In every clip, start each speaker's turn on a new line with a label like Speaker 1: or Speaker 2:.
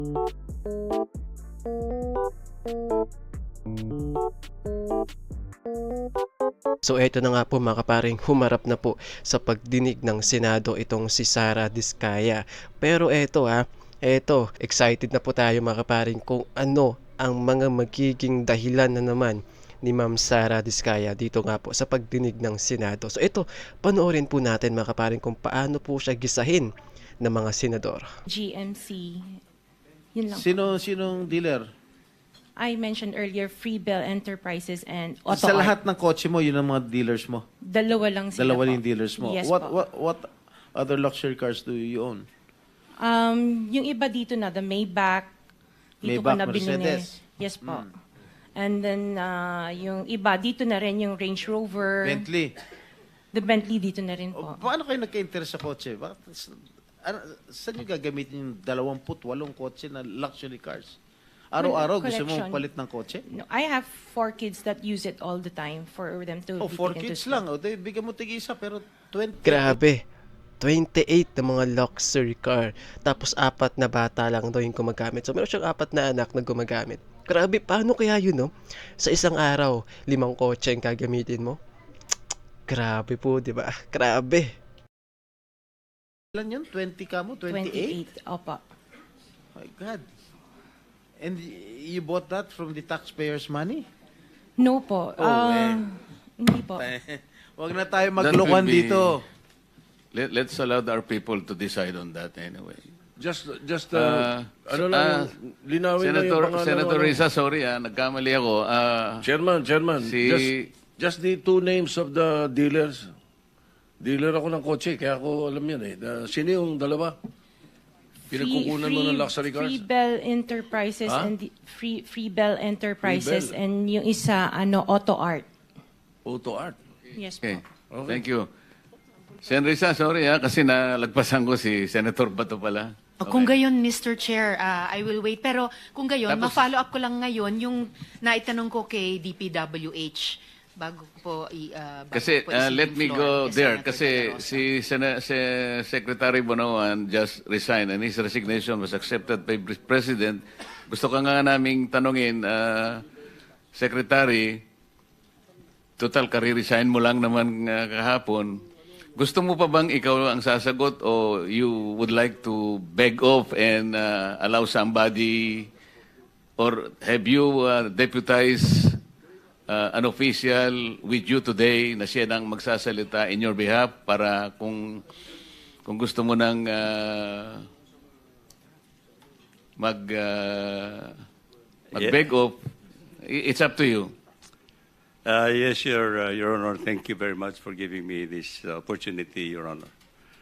Speaker 1: So eto na nga po mga kaparing, humarap na po sa pagdinig ng Senado itong si Sara Diskaya. Pero eto, excited na po tayo mga kaparing kung ano ang mga magiging dahilan na naman ni Ma'am Sara Diskaya dito nga po sa pagdinig ng Senado. So ito, panoorin po natin mga kaparing kung paano po siya gisahin ng mga senador.
Speaker 2: GMC. Yun lang.
Speaker 3: Sinong dealer?
Speaker 2: I mentioned earlier, Freebell Enterprises and Auto
Speaker 3: Sa
Speaker 2: Art.
Speaker 3: lahat ng kotse mo, yun ang mga dealers mo?
Speaker 2: Dalawa lang sila
Speaker 3: Dalawa
Speaker 2: po.
Speaker 3: yung dealers mo?
Speaker 2: Yes
Speaker 3: what,
Speaker 2: po.
Speaker 3: what other luxury cars do you own?
Speaker 2: Yung iba dito na, the Maybach. Dito ko
Speaker 3: Maybach,
Speaker 2: na binili.
Speaker 3: Mercedes.
Speaker 2: Yes po. And then, yung iba, dito na rin yung Range Rover.
Speaker 3: Bentley.
Speaker 2: The Bentley dito na rin po.
Speaker 3: Paano kayo nagka-interest sa kotse? Saan nyo gagamitin yung 28 kotse na luxury cars? Araw-araw gusto mo
Speaker 2: Collection.
Speaker 3: palit ng kotse?
Speaker 2: No, I have 4 kids that use it all the time for them to
Speaker 3: Oh,
Speaker 2: be
Speaker 3: 4
Speaker 2: taken to
Speaker 3: kids
Speaker 2: school.
Speaker 3: lang. O, bigyan mo tig-isa, pero 20.
Speaker 1: Grabe. 28 na mga luxury car. Tapos 4 na bata lang daw yung gumagamit. So meron siyang 4 na anak na gumagamit. Grabe, paano kaya yun, no? Sa isang araw, 5 kotse ang gagamitin mo? Grabe po, di ba? Grabe.
Speaker 3: Ilan yun? 20 ka mo? 28?
Speaker 2: 28. Opo.
Speaker 3: My God. And you bought that from the taxpayers' money?
Speaker 2: No po. Hindi po.
Speaker 3: Huwag na tayo
Speaker 4: That
Speaker 3: maglokohan
Speaker 4: will be-
Speaker 3: dito.
Speaker 4: Let's allow our people to decide on that anyway.
Speaker 5: Just
Speaker 4: Ah,
Speaker 5: ano lang, linawin lang yung pangalan.
Speaker 4: Senator Risa, sorry nagkamali ako.
Speaker 5: Chairman,
Speaker 4: Si-
Speaker 5: just the 2 names of the dealers. Dealer ako ng kotse, kaya ako alam yan eh. Sino yung dalawa? Pinagkukunan mo ng luxury cars?
Speaker 2: Freebell Enterprises
Speaker 5: Ha?
Speaker 2: and Freebell Enterprises
Speaker 5: Freebell.
Speaker 2: and yung isa Auto Art.
Speaker 5: Auto Art.
Speaker 2: Yes
Speaker 4: Okay,
Speaker 2: po.
Speaker 4: thank you. Sen Risa, sorry kasi nalagpasan ko si Senator Bato pala.
Speaker 6: Kung gayon, Mr. Chair, I will wait. Pero kung gayon,
Speaker 4: Tapos-
Speaker 6: ma-follow up ko lang ngayon yung naitanong ko kay DPWH bago po
Speaker 4: Kasi let me go there kasi
Speaker 6: si
Speaker 4: si Secretary Bonoan just resigned and his resignation was accepted by President. Gusto ka nga naming tanungin, Secretary, total kare-resign mo lang naman kahapon. Gusto mo pa bang ikaw ang sasagot o you would like to beg off and allow somebody or have you deputized an official with you today na siya nang magsasalita in your behalf para kung gusto mo nang mag-beg off, it's up to you.
Speaker 7: Yes, Your Honor. Thank you very much for giving me this opportunity, Your Honor.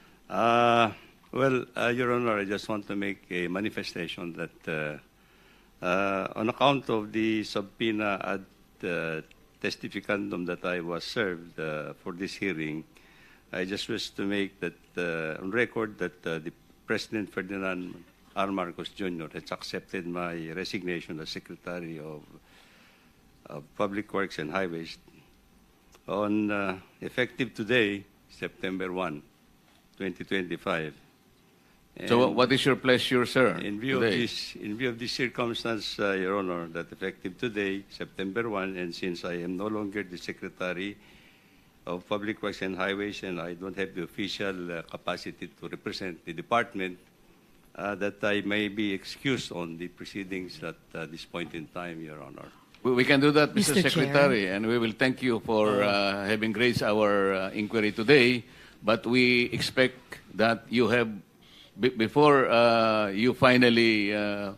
Speaker 7: Your Honor, I just want to make a manifestation that on account of the subpoena ad testificandum that I was served for this hearing, I just wish to make that on record that the President Ferdinand R. Marcos Jr. has accepted my resignation as Secretary of Public Works and Highways on effective today, September 1, 2025.
Speaker 4: So
Speaker 7: And
Speaker 4: what is your pleasure, sir?
Speaker 7: in view
Speaker 4: today?
Speaker 7: of this circumstance, Your Honor, that effective today, September 1, and since I am no longer the Secretary of Public Works and Highways and I don't have the official capacity to represent the department, that I may be excused on the proceedings at this point in time, Your Honor.
Speaker 4: We can do that, Mr.
Speaker 6: Mr. Chair.
Speaker 4: Secretary, and we will thank you for having raised our inquiry today. But we expect that you have, before you finally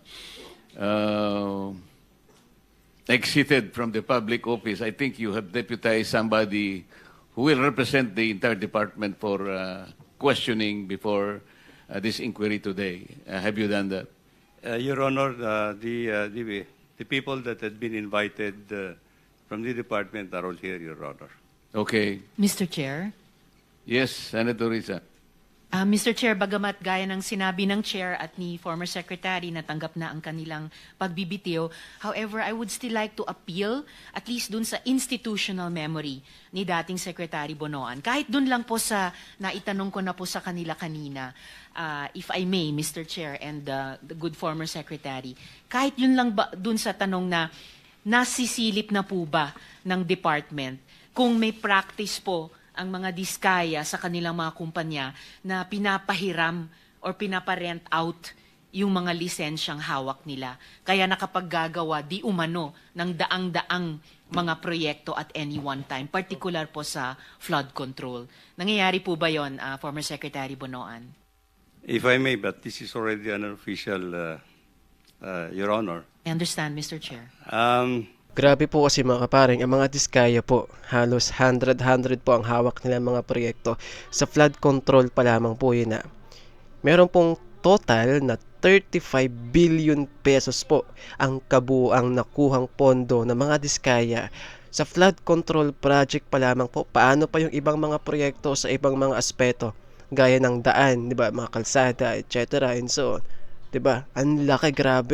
Speaker 4: exited from the public office, I think you have deputized somebody who will represent the entire department for questioning before this inquiry today. Have you done that?
Speaker 7: Your Honor, the people that had been invited from the department are all here, Your Honor.
Speaker 4: Okay.
Speaker 6: Mr. Chair,
Speaker 4: Yes, Senator Risa.
Speaker 6: Mr. Chair, bagamat gaya ng sinabi ng Chair at ni former Secretary na tanggap na ang kanilang pagbibitiw, however, I would still like to appeal at least dun sa institutional memory ni dating Secretary Bonoan. Kahit dun lang po sa naitanong ko na po sa kanila kanina, if I may, Mr. Chair and the good former Secretary, kahit yun lang ba dun sa tanong na nasisilip na po ba ng department kung may practice po ang mga diskaya sa kanilang mga kumpanya na pinapahiram or pinaparent out yung mga lisensyang hawak nila. Kaya nakapaggagawa di umano ng daang-daang mga proyekto at any one time, particular po sa flood control. Nangyayari po ba yon, former Secretary Bonoan?
Speaker 7: If I may, but this is already an official, Your Honor.
Speaker 6: I understand, Mr. Chair.
Speaker 1: Grabe po kasi mga kaparing, ang mga diskaya po, halos 100 po ang hawak nila mga proyekto. Sa flood control pa lamang po yun na. Meron pong total na 35 billion pesos po ang kabuuang nakuhang pondo ng mga diskaya. Sa flood control project pa lamang po, paano pa yung ibang mga proyekto sa ibang mga aspeto, gaya ng daan, di ba, mga kalsada, etc. and so on. Di ba? Ang laki, grabe.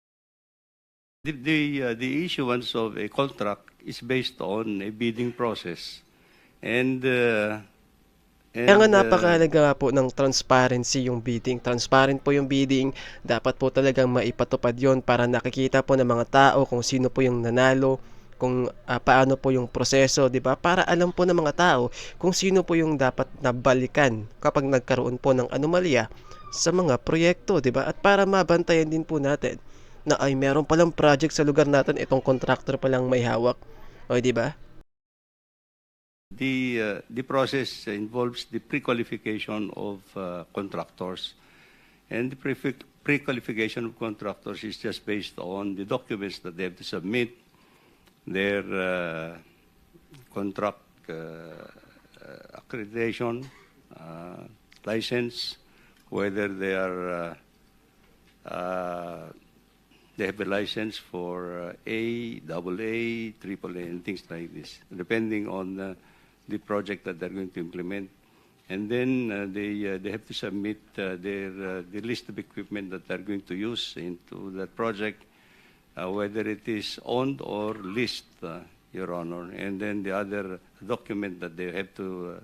Speaker 7: The issuance of a contract is based on a bidding process.
Speaker 1: Kaya nga napakahalaga nga po ng transparency yung bidding. Transparent po yung bidding. Dapat po talagang maipatupad yon para nakikita po ng mga tao kung sino po yung nanalo, kung paano po yung proseso, di ba? Para alam po ng mga tao kung sino po yung dapat nabalikan kapag nagkaroon po ng anomalya sa mga proyekto, di ba? At para mabantayan din po natin na ay meron palang project sa lugar natin, itong contractor palang may hawak. O, di ba?
Speaker 7: The process involves the pre-qualification of contractors. And the pre-qualification of contractors is just based on the documents that they have to submit, their contract accreditation, license, whether they are they have a license for A, AA, AAA, and things like this, depending on the project that they're going to implement. And then they have to submit the list of equipment that they're going to use into that project, whether it is owned or leased, Your Honor. And then the other document that they have to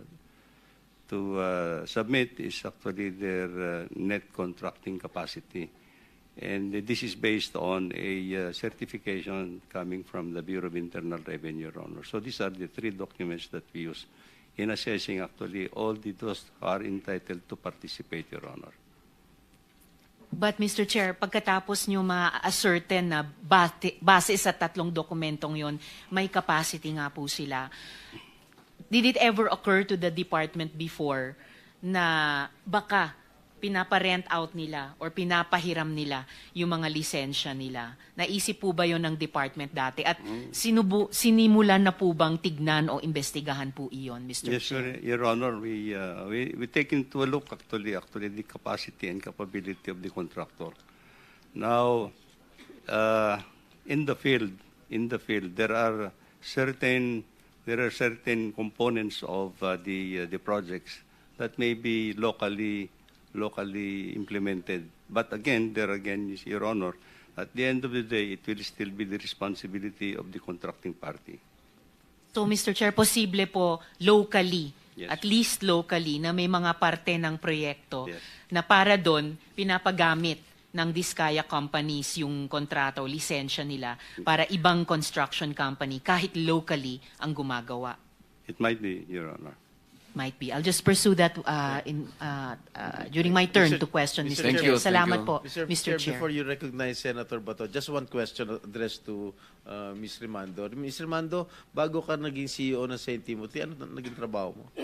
Speaker 7: submit is actually their net contracting capacity. And this is based on a certification coming from the Bureau of Internal Revenue, Your Honor. So these are the three documents that we use in assessing actually all those who are entitled to participate, Your Honor.
Speaker 6: But Mr. Chair, pagkatapos nyo ma-ascertain na base sa tatlong dokumentong yon, may capacity nga po sila. Did it ever occur to the department before na baka pinaparent out nila or pinapahiram nila yung mga lisensya nila? Naisip po ba yon ng department dati? At sinimulan na po bang tignan o investigahan po iyon, Mr.
Speaker 7: Yes,
Speaker 6: Chair?
Speaker 7: Your Honor. We take into a look actually the capacity and capability of the contractor. Now, in the field, there are certain components of the projects that may be locally implemented. But again, Your Honor, at the end of the day, it will still be the responsibility of the contracting party.
Speaker 6: So, Mr. Chair, posible po locally,
Speaker 7: Yes.
Speaker 6: at least locally, na may mga parte ng proyekto
Speaker 7: Yes.
Speaker 6: na para doon pinapagamit ng Diskaya companies yung kontrata o lisensya nila para ibang construction company, kahit locally, ang gumagawa.
Speaker 7: It might be, Your Honor.
Speaker 6: Might be. I'll just pursue that during my turn
Speaker 3: Mr.
Speaker 6: to question, Mr.
Speaker 4: Thank
Speaker 6: Chair.
Speaker 4: you,
Speaker 6: Salamat
Speaker 4: thank
Speaker 6: po,
Speaker 4: you.
Speaker 6: Mr. Chair.
Speaker 3: Before you recognize Senator Bato, just one question addressed to Ms. Rimando. Ms. Rimando, bago ka naging CEO ng St. Timothy, ano naging trabaho mo?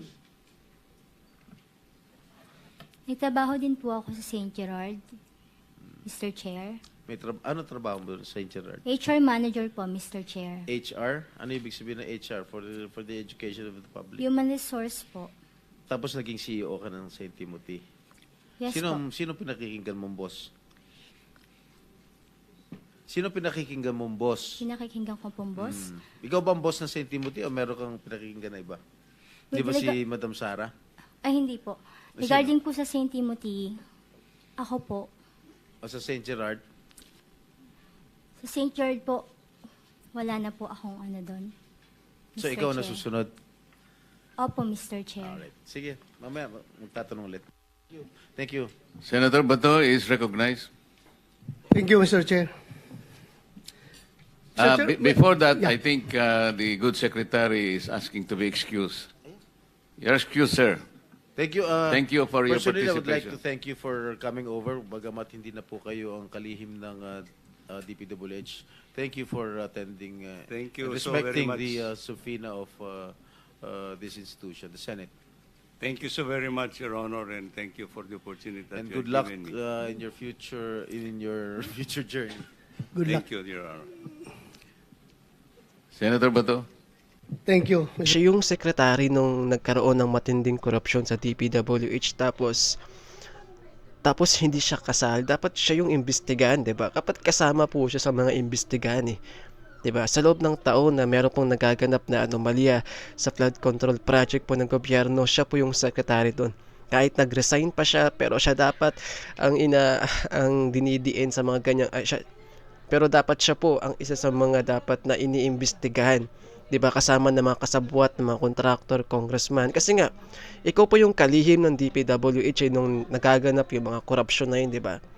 Speaker 8: Nagtrabaho din po ako sa St. Gerard, Mr. Chair.
Speaker 3: Ano trabaho mo sa St. Gerard?
Speaker 8: HR Manager po, Mr. Chair.
Speaker 3: HR? Ano ibig sabihin ng HR for the education of the public?
Speaker 8: Human Resource po.
Speaker 3: Tapos naging CEO ka ng St. Timothy.
Speaker 8: Yes po.
Speaker 3: Sino pinakikinggan mong boss? Sino pinakikinggan mong boss?
Speaker 8: Pinakikinggan ko pong boss.
Speaker 3: Ikaw ba ang boss ng St. Timothy o meron kang pinakikinggan na iba? Di ba si Madam Sara?
Speaker 8: Ay, hindi po. Regarding po sa St. Timothy, ako po.
Speaker 3: O sa St. Gerard?
Speaker 8: Sa St. Gerard po, wala na po akong ano doon.
Speaker 3: So
Speaker 8: Mr.
Speaker 3: ikaw
Speaker 8: Chair.
Speaker 3: na susunod?
Speaker 8: Opo, Mr. Chair.
Speaker 3: Alright. Sige, mamaya magtatanong ulit. Thank you.
Speaker 4: Senator Bato is recognized.
Speaker 9: Thank you, Mr. Chair. Senator,
Speaker 4: Before that,
Speaker 9: yeah.
Speaker 4: I think the good secretary is asking to be excused. You're excused, sir.
Speaker 3: Thank you.
Speaker 4: Thank you for your
Speaker 3: Personally, I would like
Speaker 4: participation.
Speaker 3: to thank you for coming over. Bagamat hindi na po kayo ang kalihim ng DPWH. Thank you for attending.
Speaker 7: Thank you
Speaker 3: and
Speaker 7: so very
Speaker 3: respecting
Speaker 7: much.
Speaker 3: the subpoena of this institution, the Senate.
Speaker 7: Thank you so very much, Your Honor, and thank you for the opportunity that
Speaker 3: And
Speaker 7: you
Speaker 3: good luck
Speaker 7: have given me.
Speaker 3: in your future journey.
Speaker 9: Good luck.
Speaker 7: Thank you, Your Honor.
Speaker 4: Senator Bato.
Speaker 9: Thank you.
Speaker 1: Siya yung sekretary nung nagkaroon ng matinding korupsyon sa DPWH tapos hindi siya kasal. Dapat siya yung imbestigahan, 'di ba? Kapag kasama po siya sa mga imbestigahan 'di ba? Sa loob ng taon na meron pong nagaganap na anomalya sa flood control project po ng gobyerno, siya po yung secretary doon. Kahit nag-resign pa siya, pero siya dapat ang dinidiin sa mga ganyang pero dapat siya po ang isa sa mga dapat na iniimbestigahan. 'Di ba, kasama ng mga kasabwat, ng mga contractor, congressman. Kasi nga, ikaw po yung kalihim ng DPWH nung nagaganap yung mga korupsyon na yun, 'di ba?